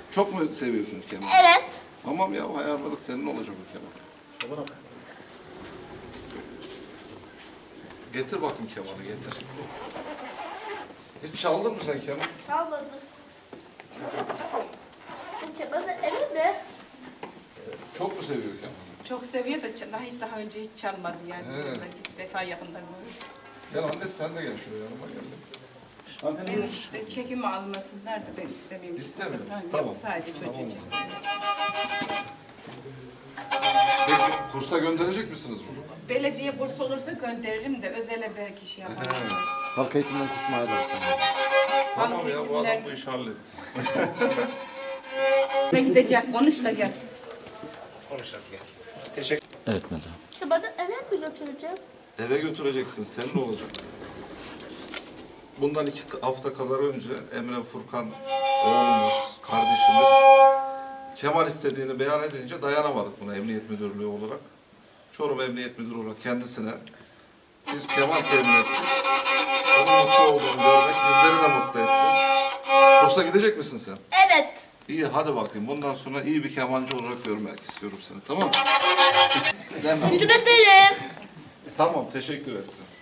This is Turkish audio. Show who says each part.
Speaker 1: Çok mu seviyorsun kemanı?
Speaker 2: Evet.
Speaker 1: Tamam ya, ayarladık. Senin olacak o keman. Getir bakayım kemanı, getir. Hiç çaldın mı sen keman?
Speaker 2: Çalmadım. Bu kemanı evi mi?
Speaker 1: Çok mu seviyor kemanı?
Speaker 3: Çok seviyor da daha önce hiç çalmadı yani.
Speaker 1: Evet.
Speaker 3: İlk defa yakından görüyorum.
Speaker 1: Gel anne, sen de gel şuraya, yanıma gel.
Speaker 3: Ben işte çekimi almasınlar da ben istemiyorum.
Speaker 1: İstemiyor musun?
Speaker 3: Ha, yok,
Speaker 1: Tamam.
Speaker 3: Sadece çocuğu
Speaker 1: Tamam.
Speaker 3: için.
Speaker 1: Peki kursa gönderecek misiniz bunu?
Speaker 3: Belediye burs olursa gönderirim de özele belki şey yaparım.
Speaker 4: Halk eğitimden kusmaya dersin.
Speaker 1: Tamam ya, bu adam
Speaker 3: eğitimler-
Speaker 1: bu işi halletti.
Speaker 3: Ne gidecek konuş da gel.
Speaker 4: Evet madem.
Speaker 2: Kemanı eve mi götüreceğim?
Speaker 1: Eve götüreceksin, senin olacak. Bundan 2 hafta kadar önce Emre Furkan oğlumuz, kardeşimiz keman istediğini beyan edince dayanamadık buna Emniyet Müdürlüğü olarak. Çorum Emniyet Müdürü olarak kendisine bir keman temin ettik. Onun mutlu olduğunu görmek bizleri de mutlu etti. Kursa gidecek misin sen?
Speaker 2: Evet.
Speaker 1: İyi, hadi bakayım. Bundan sonra iyi bir kemancı olarak görmek istiyorum seni, tamam mı?
Speaker 2: Teşekkür ederim.
Speaker 1: Tamam, teşekkür ettim.